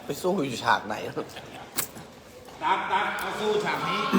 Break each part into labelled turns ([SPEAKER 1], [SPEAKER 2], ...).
[SPEAKER 1] ไปสู้อยู่ฉากไหน
[SPEAKER 2] ตักเอาสู้ฉากนี้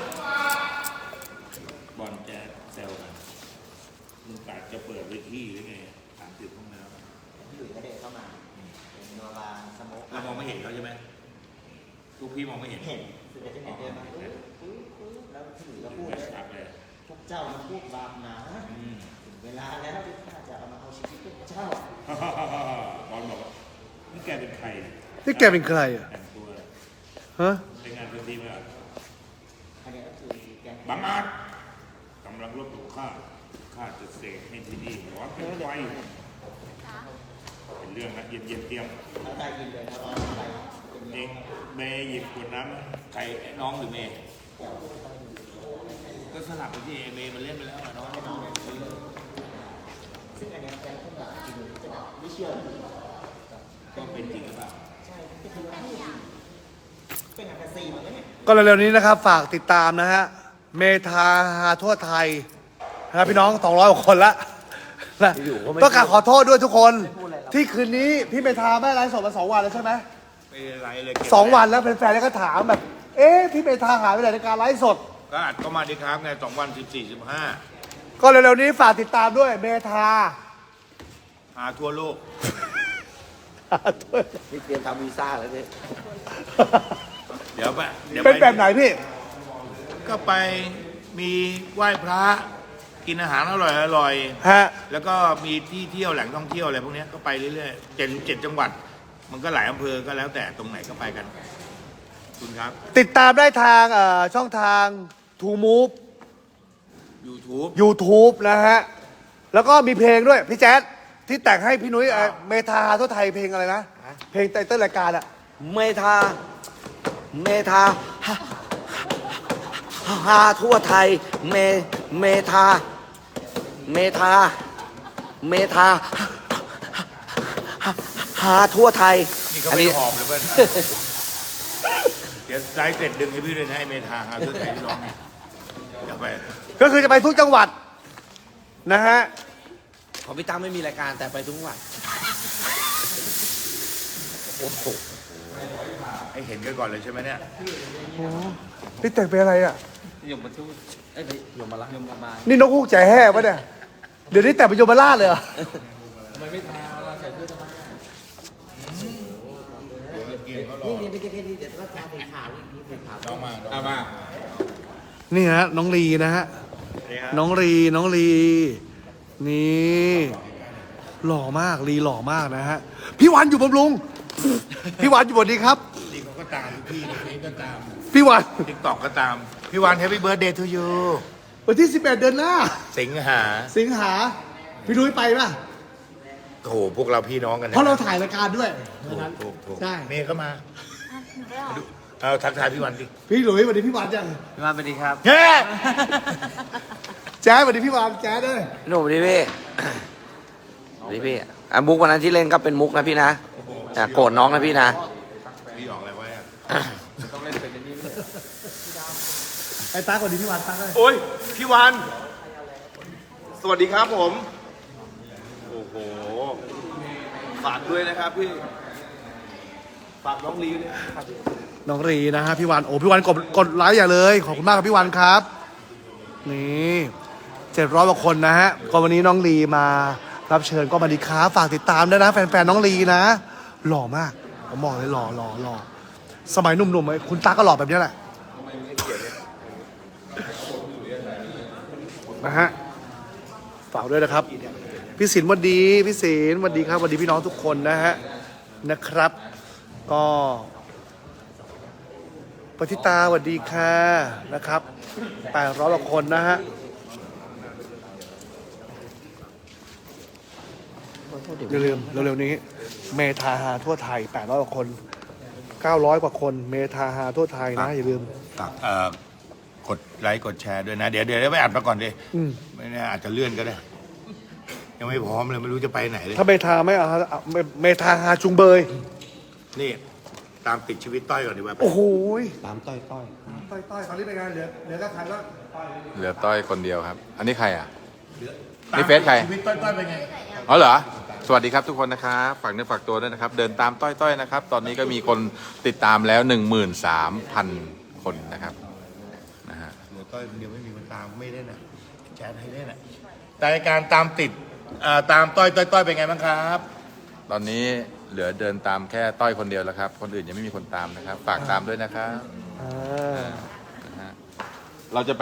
[SPEAKER 2] บอลแจ๊สแซวกันมึงกะจะเปิดเวทีหรือไง30ห้องน้ำ
[SPEAKER 3] พี่หลุยส์ก็เดินเข้ามาเป็นโนบาสโมก
[SPEAKER 2] เรามองไม่เห็นเขาใช่ไหมลูกพี่มองไม่เห็น
[SPEAKER 3] เห็นสุดจะเห็นเดินมาแล้วพี่หลุยส์ก็พูดเลย
[SPEAKER 2] ชัดเลย
[SPEAKER 3] พวกเจ้ามาพูดบาปหนาถึงเวลาแล้วที่ข้าจะเอามาเอาชีวิตพวกเจ้า
[SPEAKER 2] บอลบอกว่านี่แกเป็นใคร
[SPEAKER 4] นี่แกเป็นใครอ่ะ
[SPEAKER 2] แต่งตัว
[SPEAKER 4] ฮะ
[SPEAKER 2] ใช้งานพื้นที่ไหมอ่ะ
[SPEAKER 3] อันนี้ก็คือแกง
[SPEAKER 2] บังอาจกำลังรบกับข้าจะเสกให้ที่นี่ร้อนเป็นไฟเป็นเรื่องนะเย็นเตรียม
[SPEAKER 3] แล้วได้ยินเลยนะร้อนอะไรเป็น
[SPEAKER 2] เอ
[SPEAKER 3] ยัง
[SPEAKER 2] งเมย์หยิบขวดน้ำใครน้องหรือเมย์ก็สลับไปที่เมย์มันเล่นไปแล้วอะน้อง
[SPEAKER 3] ซึ่งอันนี้แกงขึ้นมาพี่หลุยส์จะแบบไม่เชื่อ
[SPEAKER 2] ก็เป็นจริงหรือเปล่า
[SPEAKER 3] ใช่ก็คือว่าเป็นแฟนซีเหมือนกันเนี่ย
[SPEAKER 4] ก็เร็วๆนี้นะครับ ฝากติดตามนะฮะ เมทาฮาทั่วไทยนะครับพี่น้อง200กว่าคนละนะต้องการขอโทษด้วยทุกคน ที่คืนนี้พี่เมทาไม่ไลฟ์สดมา2 วันแล้วใช่ไหม
[SPEAKER 2] ไม่เป็นไรเลยเก็บ
[SPEAKER 4] 2 วันแล้วแฟนๆก็ถามแบบ เอ๊ะพี่เมทาหายไปไหนในการไลฟ์สด
[SPEAKER 2] ก็อัดเข้ามาดีครับไง2 วัน14
[SPEAKER 4] ก็เร็วๆนี้ฝากติดตามด้วยเมทา
[SPEAKER 2] 15หาทั่วโลก
[SPEAKER 1] นี่เตรียมทำวีซ่าแล้วเนี่ย
[SPEAKER 2] เดี๋ยวไป
[SPEAKER 4] เป็นแบบไหนพี่
[SPEAKER 2] ก็ไปมีไหว้พระกินอาหารอร่อย
[SPEAKER 4] ฮะ
[SPEAKER 2] แล้วก็มีที่เที่ยวแหล่งท่องเที่ยวอะไรพวกเนี้ยก็ไปเรื่อยๆ7จังหวัด มันก็หลายอำเภอก็แล้วแต่ตรงไหนก็ไปกันคุณครับ
[SPEAKER 4] ติดตามได้ทางช่องทาง To Move
[SPEAKER 2] YouTube
[SPEAKER 4] YouTube นะฮะ แล้วก็มีเพลงด้วย พี่แจ๊ดที่แต่งให้พี่นุ้ยเมทาทั่วไทยเพลงอะไรนะ เพลงไตเติ้ลรายการอะ
[SPEAKER 1] เมทาฮาทั่วไทยเมทาฮาทั่วไทย
[SPEAKER 2] นี่ก็ไม่ได้หอบเลยเพื่อน เดี๋ยวไลฟ์เสร็จดึงให้พี่ด้วยนะไอ้เมทาหาเพื่อนไทยที่ร้องเนี่ยเดี๋ยวไป
[SPEAKER 4] ก็คือจะไปทุกจังหวัดนะฮะ
[SPEAKER 1] ของพี่ตั้มไม่มีรายการแต่ไปทุกวันโอ้โห
[SPEAKER 2] ให้เห็นกันก่อนเลยใช่ไหมเนี่ย
[SPEAKER 4] พี่แต่งเป็นอะไรอ่ะ
[SPEAKER 1] ยมมาทูตเอ้ยยมมาละยมมา
[SPEAKER 4] นี่นกฮูกใจแห่ปะเนี่ย เดี๋ยวนี้แต่งเป็นโยมราชเลยเหรอ
[SPEAKER 3] นี่ไม่ใช่แค่นี้เดี๋ยวก็จะเป็นข่าวนี่เป็นข่าว
[SPEAKER 2] น้องมาเอามา
[SPEAKER 4] นี่ฮะน้องลีนะฮะ น้องลีนี่หล่อมากลีหล่อมากนะฮะ พี่วันอยู่บำรุง พี่วันอยู่บนนี้ครับ
[SPEAKER 2] นี่เขาก็ตามพี่นี่ก็ตาม
[SPEAKER 4] พี่วัน
[SPEAKER 2] ติ๊กต็อกก็ตาม พี่วันแฮปปี้เบิร์ดเดย์ทูยู
[SPEAKER 4] วันที่ 18 เดือนหน้า
[SPEAKER 2] สิงหา
[SPEAKER 4] สิงหา พี่นุ้ยไปป่ะ
[SPEAKER 2] โถพวกเราพี่น้องกันนะ
[SPEAKER 4] เพราะเราถ่ายรายการด้วย
[SPEAKER 2] ถูก
[SPEAKER 4] ใช่
[SPEAKER 2] เมย์ก็มาเอาทักทายพี่วันดิ
[SPEAKER 4] พี่หลุยสวัสดีพี่วันจัง
[SPEAKER 1] พี่มาสวัสดีครับ
[SPEAKER 2] เฮ้
[SPEAKER 4] แจ๊สสวัสดีพี่วันแจ๊สด้วย
[SPEAKER 1] หนูดีพี่ดีพี่มุกวันนั้นที่เล่นก็เป็นมุกนะพี่นะโกรธน้องนะพี่นะ
[SPEAKER 2] พี่ออกอะไรไว้อะ
[SPEAKER 4] ไอ้ตาสวัสดีพี่วันตาด้วย
[SPEAKER 5] โอ้ย พี่วัน สวัสดีครับผม โอ้โห ฝากด้วยนะครับพี่ ฝากน้องลีด้วยนะครับพี่
[SPEAKER 4] น้องรีนะฮะพี่วันโอ้พี่วันกดไลค์อย่าเลยขอบคุณมากครับพี่วันครับ นี่700 กว่าคนนะฮะก็วันนี้น้องลีมารับเชิญก็มาดีครับฝากติดตามด้วยนะแฟนๆน้องลีนะหล่อมากผมบอกเลยหล่อสมัยหนุ่มๆคุณตาก็หล่อแบบนี้แหละนะฮะฝากด้วยนะครับพี่ศิลป์สวัสดีพี่ศิลป์สวัสดีครับสวัสดีพี่น้องทุกคนนะฮะนะครับ ก็ปฏิตาสวัสดีค่ะนะครับ800 กว่าคนนะฮะอย่าลืมเร็วๆนี้เมทาฮาทั่วไทย800 กว่าคน900 กว่าคนเมทาฮาทั่วไทยนะอย่าลืม
[SPEAKER 2] ฝากกดไลค์กดแชร์ด้วยนะ เดี๋ยวไปอัดมาก่อนดิ
[SPEAKER 4] อืม
[SPEAKER 2] ไม่แน่อาจจะเลื่อนก็ได้ ยังไม่พร้อมเลยไม่รู้จะไปไหนเลย
[SPEAKER 4] ถ้าเมทาไม่เอาเมทาฮาจุงเบย
[SPEAKER 2] นี่ตามติดชีวิตต้อยก่อนดีกว่า
[SPEAKER 4] โอ้โห
[SPEAKER 1] ตามต้อย
[SPEAKER 4] ต้อยตอนนี้เป็นไงเหลือก็ใครก็ต้อย
[SPEAKER 6] เหลือต้อยคนเดียวครับ อันนี้ใครอ่ะ นี่เฟซใคร
[SPEAKER 2] ชีวิตต้อยเป็นไง
[SPEAKER 6] อ๋อเหรอสวัสดีครับทุกคนนะครับฝากเนื้อฝากตัวด้วยนะครับ เดินตามต้อยๆนะครับ ตอนนี้ก็มีคนติดตามแล้ว 13,000 คนนะครับนะฮะ
[SPEAKER 2] เดี๋ยวต้อยคนเดียวไม่มีคนตามไม่ได้น่ะแจ๊ดให้เล่นน่ะแต่การตามติดตามต้อยเป็นไงบ้างครับ
[SPEAKER 6] ตอนนี้เหลือเดินตามแค่ต้อยคนเดียวแล้วครับ คนอื่นยังไม่มีคนตามนะครับ ฝากตามด้วยนะครับ
[SPEAKER 4] อ่า
[SPEAKER 6] นะฮะเราจะไป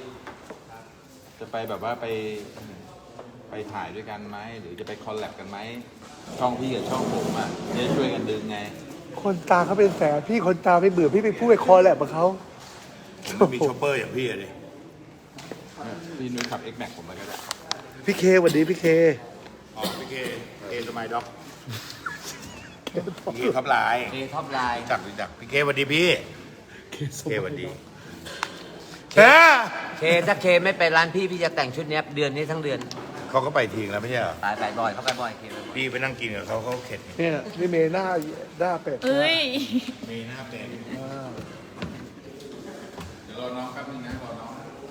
[SPEAKER 6] แบบว่าไปถ่ายด้วยกันไหมหรือจะไปคอลแลบกันไหมช่องพี่กับช่องผมอ่ะจะช่วยกันดึงไง
[SPEAKER 4] คนตามเขาเป็นแสนพี่คนตามไม่เบื่อพี่ไปพูดไปคอแหละกับเขา
[SPEAKER 2] ผมมีช็อปเปอร์อย่างพี่อะดิ
[SPEAKER 6] พี่นุ้ยขับ X Max ผมไปก็ได้
[SPEAKER 4] พี่เคสวัสดีพี่เค
[SPEAKER 2] อ๋อพี่เคสมัยด็อกพี่ท็อปไลน์
[SPEAKER 3] เอท็อปไลน์
[SPEAKER 2] รู้จักพี่เคสวัสดีพี่เคสวัสดี
[SPEAKER 3] เคถ้าเคไม่ไปร้านพี่พี่จะแต่งชุดเนี้ยเดือนนี้ทั้งเดือน
[SPEAKER 2] เขาก็ไปทิ้งแล้วไม่ใช่เหรอ
[SPEAKER 3] ไปบ่อยเขาไปบ่อยเคไปบ่อย
[SPEAKER 2] พี่ไปนั่งกินกับเขาเข็ด
[SPEAKER 4] เนี่ยนี่เมย์หน้าเป็ด
[SPEAKER 7] เอ้ย
[SPEAKER 2] มีหน้าเป็น
[SPEAKER 4] อ่า
[SPEAKER 6] เดี๋ยวรอน้องแป๊บนึงนะรอน้อง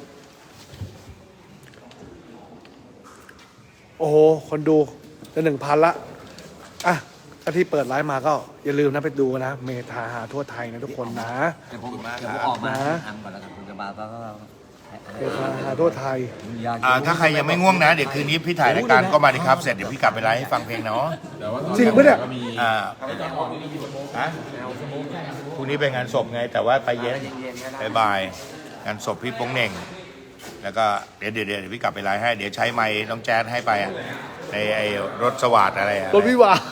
[SPEAKER 4] โอ้โหคนดูจะ1,000 ละอ่ะถ้าที่เปิดไลฟ์มาก็อย่าลืมนะไปดูนะเมทาหาทั่วไทยนะทุกคนนะ
[SPEAKER 3] เดี๋ยวผมออกมา
[SPEAKER 4] นะ
[SPEAKER 3] ทำก่อนแล้วกันผมจะมาก็
[SPEAKER 4] เมทาหาทั่วไทย
[SPEAKER 2] ถ้าใครยังไม่ง่วงนะ เดี๋ยวคืนนี้พี่ถ่ายรายการก็มาดิครับ เสร็จเดี๋ยวพี่กลับไปไลฟ์ให้ฟังเพลงเนาะ
[SPEAKER 6] แต่ว่าตอน
[SPEAKER 4] จริงปะเนี่ย
[SPEAKER 6] ก็มี
[SPEAKER 2] ฮะพรุ่งนี้ไปงานศพไง แต่ว่าไปเย็นบ่ายงานศพพี่โป้งเหน่ง แล้วก็เดี๋ยวพี่กลับไปไลฟ์ให้ เดี๋ยวใช้ไมค์น้องแจ๊ดให้ไปอะในไอ้รถสวัสดอะไรอะ
[SPEAKER 4] รถวิวาร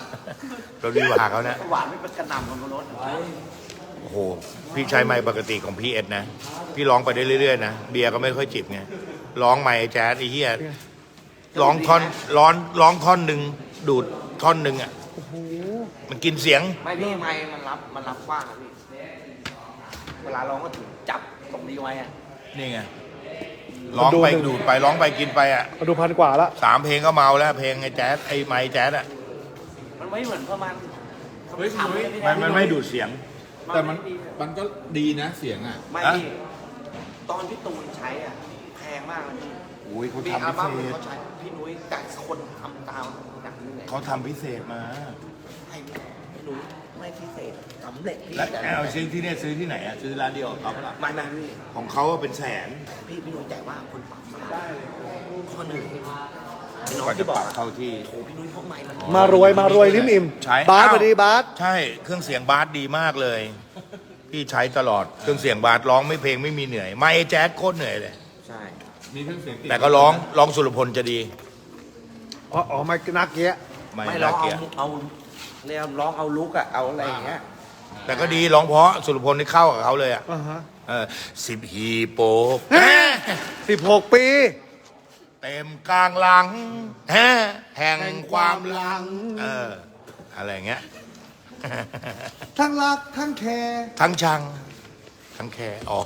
[SPEAKER 2] ถวิวาเขานะ
[SPEAKER 3] หวานไม่เป็นกระหน่ำของรถ
[SPEAKER 2] โอ้โห พี่ใช้ไมค์ปกติของพี่เอ็ดนะ พี่ร้องไปได้เรื่อยๆนะ เบียร์ก็ไม่ค่อยจิบไง ร้องไมค์แจ๊สไอ้เหี้ยร้องท่อนหนึ่งดูดท่อนหนึ่งอ่ะมันกินเสียง
[SPEAKER 3] ไม่พี่ไม่มันรับกว้างอะพี่เวลาร้องก็ถึงจับตรงนี้ไว้อะ
[SPEAKER 2] นี่ไง ร้องไปดูดไปร้องไปกินไปอ่ะ
[SPEAKER 4] มาดู1,000 กว่าละ
[SPEAKER 2] 3 เพลงก็เมาแล้วเพลงไอ้แจ๊สไอ้ไมค์แจ๊สอ่ะ
[SPEAKER 3] มันไม่เหมือนประมาณ
[SPEAKER 6] เฮ้ย
[SPEAKER 2] มันไม่ดูดเสียง
[SPEAKER 6] แต่มันก็ดีนะเสียงอ่ะ
[SPEAKER 3] ไม่พี่ตอนพี่ตูนใช้อ่ะแพงมากเลยพี่
[SPEAKER 2] โอ้ยเขา
[SPEAKER 3] มี
[SPEAKER 2] ทำ
[SPEAKER 3] อัล
[SPEAKER 2] พิ
[SPEAKER 3] บั้ม
[SPEAKER 2] เศ
[SPEAKER 3] หนึ่ง
[SPEAKER 2] ษ
[SPEAKER 3] เขาใช้พี่นุ้ยแต่คนทำตามหนักนี่ไง
[SPEAKER 2] เขาทำพิเศษมา
[SPEAKER 3] ให้พี่นุ้ยไม่พิเศษสำเร็จพี่
[SPEAKER 2] แล้วเอาซื้อที่เนี่ยซื้อที่ไหนอ่ะซื้อร้านเดียวกับเขาปะล่ะ
[SPEAKER 3] ไม่พี่
[SPEAKER 2] ของเขาอะเป็นแสน
[SPEAKER 3] พี่นุ้ยใจว่าคนปรับมาข้อหนึ่งพี่น้อง
[SPEAKER 2] กว่าจะ
[SPEAKER 3] ที่บ
[SPEAKER 2] ป
[SPEAKER 3] อก
[SPEAKER 2] รับเข้าที่
[SPEAKER 3] โอ้พี่นุ้ยพวกใหม่มัน
[SPEAKER 4] มารวยลิ้มอิ่ม
[SPEAKER 2] ใช้
[SPEAKER 4] บาส
[SPEAKER 2] อ้าว
[SPEAKER 4] สวัสดีบาส
[SPEAKER 2] ใช่เครื่องเสียงบาสดีมากเลย พี่ใช้ตลอดเครื่องเสียงบาสร้องไม่เพลงไม่มีเหนื่อยไม่ไอ้แจ๊สโคตรเหนื่อยเลย
[SPEAKER 3] ใช่
[SPEAKER 6] มีเครื่องเสียงติด
[SPEAKER 2] แต่ก็ร้องสุรพลจะดี
[SPEAKER 4] อ๋อไม่นักเกี้ย
[SPEAKER 2] ไม่
[SPEAKER 3] ไม่ร้
[SPEAKER 2] น่า
[SPEAKER 3] อง
[SPEAKER 2] เกลียด
[SPEAKER 3] เอาเรียกร้องเอาลุกอะเอาอะไรอย่างเงี้ย
[SPEAKER 2] แต่ก็ดีร้องเพราะสุรพลนี่เข้ากับเขาเลยอ่ะ
[SPEAKER 4] อ่าฮะ
[SPEAKER 2] 10 ฮีโป
[SPEAKER 4] 16 ปี
[SPEAKER 2] เต็มกลางหลังแห่งความหลังอะไรอย่างเงี้ย
[SPEAKER 4] ทั้งรักทั้งแคร์
[SPEAKER 2] ทั้งชัง ทั้งแคร์อ๋อ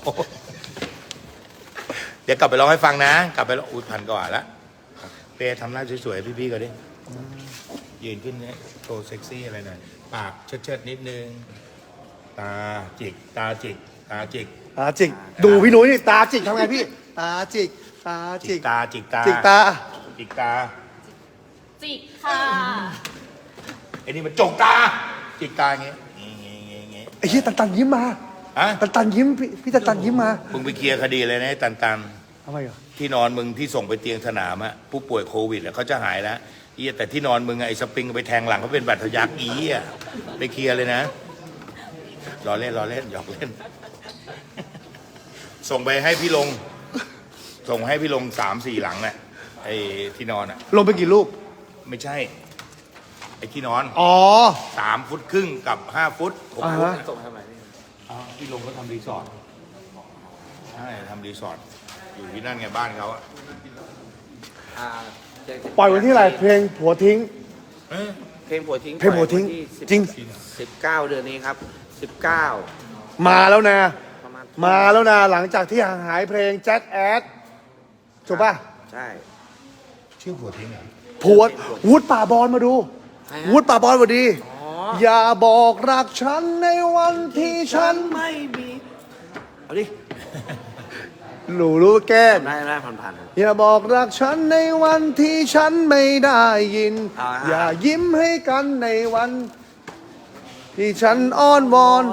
[SPEAKER 2] เดี๋ยวกลับไปร้องให้ฟังนะ กลับไปร้อง1,000 กว่าละเปย์ทำหน้าสวยๆพี่ๆก็ดิยืนขึ้นเนี่ยโชว์เซ็กซี่อะไรหน่อยปากเชิดๆนิดนึง ตาจิก ตาจิก ตาจิก
[SPEAKER 4] ตาจิก ดูพี่นุ้ยนี่ตาจิกทำไงพี่ ตาจิก ตา
[SPEAKER 2] จิ
[SPEAKER 4] จิ
[SPEAKER 2] ก
[SPEAKER 4] ก
[SPEAKER 2] ตาจิกตา
[SPEAKER 4] จิกตา
[SPEAKER 2] จิกตา
[SPEAKER 7] จิกค่ะ
[SPEAKER 2] ไอ้นี่มันจกตา จิกตาอย่างเงี้ยงี้
[SPEAKER 4] ไอ้เหี้ยตันยิ้มมา
[SPEAKER 2] ฮะ
[SPEAKER 4] ตันยิ้มพี่ตันยิ้มมา
[SPEAKER 2] มึงไปเคลียร์คดีเลยนะไอ้ตัน
[SPEAKER 4] ทำไมอ่ะ
[SPEAKER 2] ที่นอนมึงที่ส่งไปเตียงสนามอะผู้ป่วยโควิดอะเขาจะหายแล้วเอียแต่ที่นอนมึงอะไอ้สปริงไปแทงหลังเขาเป็นบาดทะยักอีอะไปเคลียร์เลยนะรอเล่นหยอกเล่น ส่งไปให้พี่ลง ส่งให้พี่ลง3-4 หลังน่ะไอ้ที่นอนอะ
[SPEAKER 4] ลงไปกี่รูป
[SPEAKER 2] ไม่ใช่ ไอ้ที่นอน
[SPEAKER 4] อ๋อ
[SPEAKER 2] 3 ฟุตครึ่งกับ5 ฟุต6
[SPEAKER 4] อ่า
[SPEAKER 2] ฟุต
[SPEAKER 4] ฮะ
[SPEAKER 3] ส่งทำไมพี่
[SPEAKER 2] พี่ลงเขาทำรีสอร์ทใช่ทำรีสอร์ทอยู่ที่นั่นไงบ้านเขาอะ
[SPEAKER 3] อ่า
[SPEAKER 4] ปล่อยวันที่อะไรเพลงผัวทิ้ง
[SPEAKER 2] เอ้ย
[SPEAKER 3] เพลงผัวทิ้ง
[SPEAKER 4] เพลงผัวทิ้ง
[SPEAKER 3] ปล่อยนที่
[SPEAKER 4] จริง
[SPEAKER 3] 19 เดือนนี้ครับ19
[SPEAKER 4] มาแล้วนะ
[SPEAKER 3] ประมาณ
[SPEAKER 4] มาแล้วนะหลังจากที่ห่างหายเพลงแจ็คแอดถูกป่ะ
[SPEAKER 3] ใช่
[SPEAKER 2] ชื่อผัวทิ้งเหรอ
[SPEAKER 4] ผัววุฒิป่าบอลมาดู
[SPEAKER 3] ใครฮะ
[SPEAKER 4] วุฒิป่าบอลสวัสดี
[SPEAKER 3] อ๋อ
[SPEAKER 4] อย่าบอกรักฉันในวันที่ฉัน
[SPEAKER 3] ไม่มีเอาดิ
[SPEAKER 4] หนูรู้แก้ม
[SPEAKER 1] ได้ผ่านๆครับ
[SPEAKER 4] อย่าบอกรักฉันในวันที่ฉันไม่ได้ยิน
[SPEAKER 1] อ่า
[SPEAKER 4] อย่ายิ้มให้กันในวัน ที่ฉันอ้อนวอน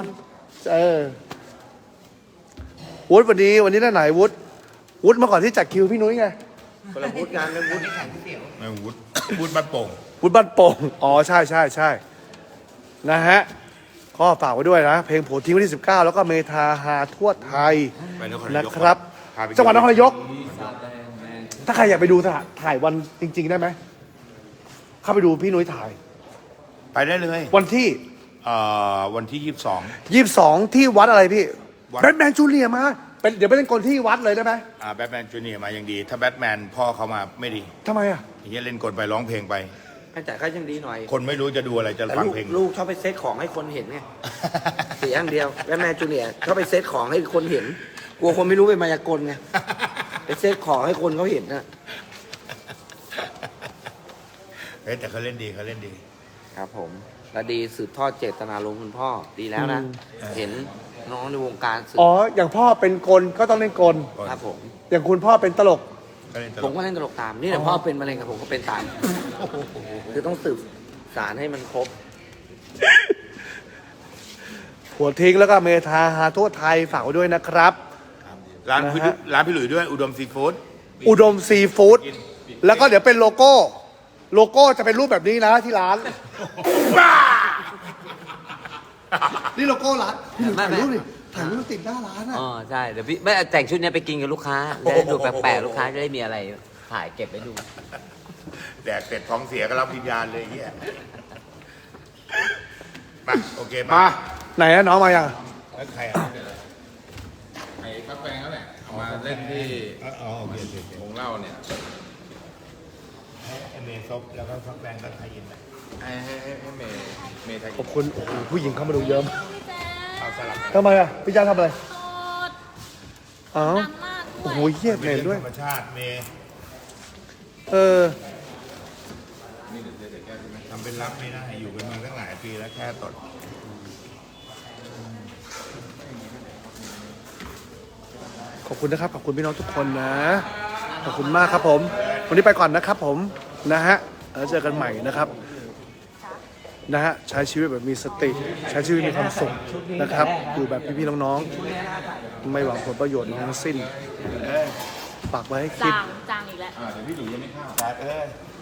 [SPEAKER 4] วุฒิวันนี้ได้ไหนวุฒิมาก่อนที่จัดคิวพี่นุ้ยไง
[SPEAKER 1] คนละวุฒิงานเป็นวุฒิ
[SPEAKER 2] ไม่วุฒิวุฒิบ้านโป่ง
[SPEAKER 4] วุฒิบ้านโป่งอ๋อใช่นะฮะก็ฝากไว้ด้วยนะเพลงโผล่ทิ้งวันที่ 19 แล้วก็เมทาหาทั่วไทย
[SPEAKER 2] ไปนครนายก
[SPEAKER 4] นะครับ
[SPEAKER 2] พาไป
[SPEAKER 4] จังหวัดนครนายก ถ้าใครอยากไปดูถ่ายวันจริง ๆ ได้ไหมเข้าไปดูพี่นุ้ยถ่าย
[SPEAKER 2] ไปได้เลย
[SPEAKER 4] วันที่
[SPEAKER 2] วันที่
[SPEAKER 4] 22 ที่วัดอะไรพี่
[SPEAKER 2] วัด
[SPEAKER 4] แบทแมนจูเนียร์มาเดี๋ยวไปเล่นกลที่วัดเลยได้ไหม
[SPEAKER 2] 22แบทแมนจูเนียร์มายังดี ถ้าแบทแมนพ่อเขามาไม่ดี
[SPEAKER 4] ทำไมอ่ะ
[SPEAKER 2] อย่างเงี้ยเล่นกลไปร้องเพลงไป
[SPEAKER 1] แต่ก็ยังดีหน่อย
[SPEAKER 2] คนไม่รู้จะดูอะไรจะ
[SPEAKER 1] แต่
[SPEAKER 2] ฟัง
[SPEAKER 1] ลูก
[SPEAKER 2] เพลง
[SPEAKER 1] ลูกชอบไปเซตของให้คนเห็นไง เสียอย่างเดียวแม่แม่จูเนียร์ชอบไปเซตของให้คนเห็น กลัวคนไม่รู้เป็นมายากลไง ไปเซตของให้คนเขาเห็นนะ
[SPEAKER 2] เฮ้ยแต่เขาเล่นดี
[SPEAKER 1] ครับผม และดีสืบทอดเจตนารมณ์คุณพ่อดีแล้วนะ เห็นน้องในวงการสืบ
[SPEAKER 4] อ๋ออย่างพ่อเป็นกลก็ต้องเล่นกล
[SPEAKER 1] ครับผม
[SPEAKER 4] อย่างคุณพ่อเป็นตลก
[SPEAKER 2] เขาเล่นต
[SPEAKER 1] ผ
[SPEAKER 2] ล
[SPEAKER 1] ม
[SPEAKER 2] ก
[SPEAKER 1] ก็เล่นตลกตาม นี่แหละพ่อเป็นมะเร็งกับผมก็เป็นตาม คือต้องสืบสารให้มันครบ
[SPEAKER 4] หัวทิ้งแล้วก็เมทาหาทั่วไทยฝากไว้ด้วยนะครับ
[SPEAKER 2] ร้านพี่
[SPEAKER 4] นะฮะ
[SPEAKER 2] ร้านพี่หลุยด้วยอุดมซีฟู้ด
[SPEAKER 4] อุดมซีฟู้ดแล้วก็เดี๋ยวเป็นโลโก้จะเป็นรูปแบบนี้นะที่ร้าน นี่โลโก้ร้านพี่หนุ่มถ่ายรูปดิถ่ายรูปติดหน้าร้านอ่ะ
[SPEAKER 8] อ๋อใช่เดี๋ยวพี่ไม่แต่งชุดเนี้ยไปกินกับลูกค้าจะได้ดูแปลกๆลูกค้าจะได้มีอะไรถ่ายเก็บไว้ดู
[SPEAKER 2] แดกเสร็จท้องเสียก็รับวิญญาณเลยไอ้เฮียมาโอเค
[SPEAKER 4] มา ไหนอะน้องมายัง
[SPEAKER 2] แล้วใครอ่ะ
[SPEAKER 6] ไอ้ฟักแฟงนั่นแหละเอามาเล่นที่
[SPEAKER 2] อ๋อโอเค
[SPEAKER 6] วงเล่าเนี่ย
[SPEAKER 2] ให้เมย์ซบแล้วก็ฟักแบงก์ก็ไทยอินไป
[SPEAKER 6] ให้เมย์ไทย
[SPEAKER 4] ขอบคุณโอ้โหผู้หญิงเข้ามาดูเยอะมาก
[SPEAKER 2] เอาสลับ
[SPEAKER 4] ทำไมอ่ะพี่จ้าทำอะไร
[SPEAKER 7] โสด
[SPEAKER 4] อ้าว
[SPEAKER 7] ดังมากด้
[SPEAKER 4] โอ้
[SPEAKER 7] วย
[SPEAKER 4] โหเฮี้ย
[SPEAKER 2] เป็
[SPEAKER 4] เห็น
[SPEAKER 2] น
[SPEAKER 4] ด้วย
[SPEAKER 2] ธรรมชาติเมย์
[SPEAKER 4] เออ
[SPEAKER 2] ทำเป็นรับไม่ได้อยู่กันมาตั้งหลายปีแล้วแค่ตด
[SPEAKER 4] ขอบคุณนะครับ ขอบคุณพี่น้องทุกคนนะ ขอบคุณมากครับผม วันนี้ไปก่อนนะครับผม นะฮะแล้วเจอกันใหม่นะครับ นะฮะ ใช้ชีวิตแบบมีสติ ใช้ชีวิตมีความสุขนะครับ อยู่แบบพี่ๆน้องๆ ไม่หวังผลประโยชน์ทั้งสิ้น ฝากไว้ให้คิด
[SPEAKER 7] จางอีกแล้ว
[SPEAKER 6] เดี๋ยวพี่หลุยยังไม่เข้า
[SPEAKER 2] แต่